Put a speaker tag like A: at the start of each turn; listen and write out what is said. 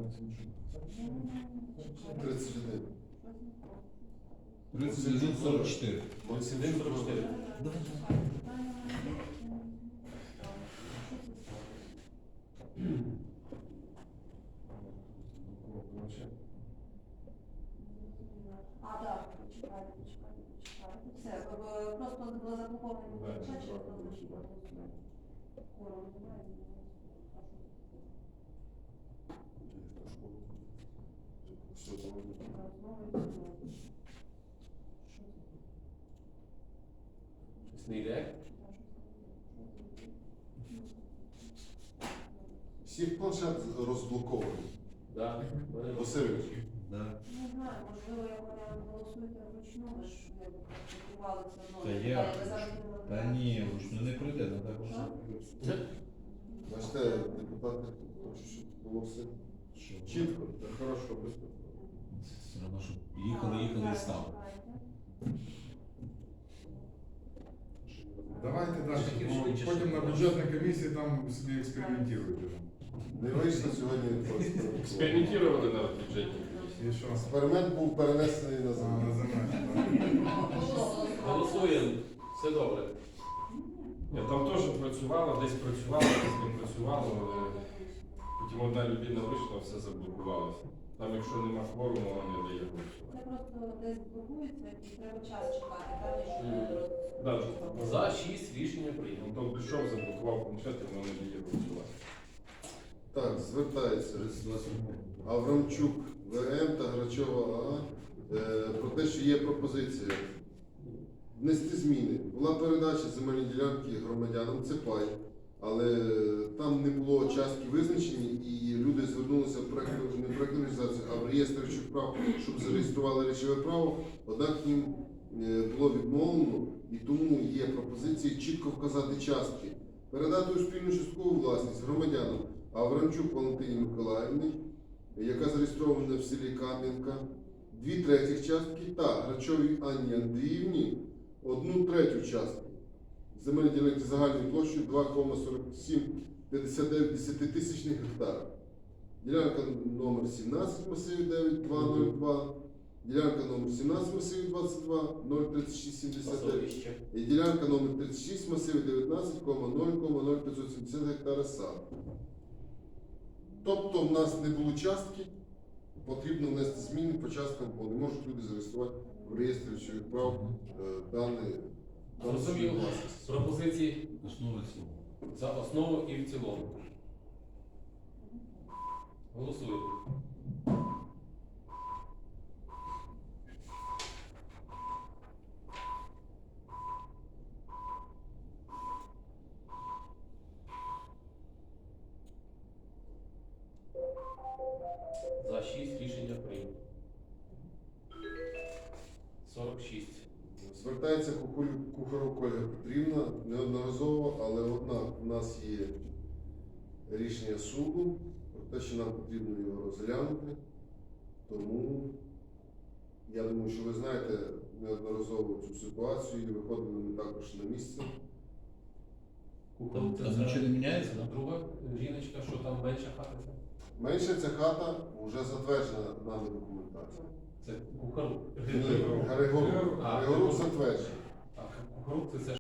A: 31.
B: 31,44.
C: 31,44.
D: А, так, почекайте. Все, просто було заблоковано чат, через то значить голосуємо. Кворум немає.
A: Все, знову.
C: Щось не йде?
A: Всіх планшет розблокований.
C: Да.
A: Васильович.
B: Да.
D: Не знаю, можливо, як вони голосуєте вручну, ви ж практикували це мною.
B: Та є. Та ні, вручну не пройде, ну так
D: Що?
A: Бачите, депутати хочуть, щоб було все
B: що.
A: чітко.
C: Так хорошо, швидко.
B: Все одно, щоб їхали і стали.
E: Давайте далі,
C: Такі
E: бо
C: швидше,
E: потім
C: щоб
E: на бюджетній комісії там собі експериментують.
A: Не вийшло сьогодні просто.
C: Експериментували на бюджеті.
E: І що?
A: Експеримент був перенесений на
E: На
A: землю.
E: землі.
C: Голосуємо. Все добре.
F: Я там теж працювала, десь працювала, десь не працювала, але потім одна людина вийшла, все заблокувалося. Там, якщо нема кворуму, вона не дає голосувати.
D: Це просто десь блокується і треба час чекати, так?
F: Да.
C: За 6 рішення прийнято.
F: Ну, там пішов, заблокував планшет, і воно не дає голосувати.
A: Так, звертається Аврамчук ВМ та Грачова АА про те, що є пропозиція внести зміни. Була передача земельної ділянки громадянам, це пай, але там не було частки визначені, і люди звернулися в не в проектну організацію, а в реєстр речових прав, щоб зареєстрували речове право, однак їм було відмовлено, і тому є пропозиції чітко вказати частки. Передати у спільну часткову власність громадянам Аврамчук Валентині Миколаївні, яка зареєстрована в селі Кам'янка, 2/3 частки, та Грачовій Анні Андріївні 1/3 частки. Земельні ділянки загальною площею 2,4759 десятитисячних гектарів. Ділянка номер 17 масиві 9202, ділянка номер 17 масиві 22 03679 і ділянка номер 36 масиві 19,0,0570 гектара саду. Тобто в нас не було частки, потрібно внести зміни по часткам, бо не можуть люди зареєструвати в реєстрі речових прав дані
C: Зрозуміло.
A: власність.
C: Пропозиції
B: Основи цілого.
C: за основу і в цілому. Голосуємо. За 6 рішення прийнято. 46.
A: Звертається Кухаров Ольга Петрівна неодноразово, але однак у нас є рішення суду про те, що нам потрібно його розглянути. Тому я думаю, що ви знаєте неодноразово цю ситуацію і виходили ми також на місце.
B: Там нічого не міняється, так?
C: Друга жіночка, що там менша хата це?
A: Менше ця хата вже затверджена нами документація.
C: Це Кухарук.
A: Ні, Григорук.
C: А,
A: Григорук затверджений.
C: А Кухарук це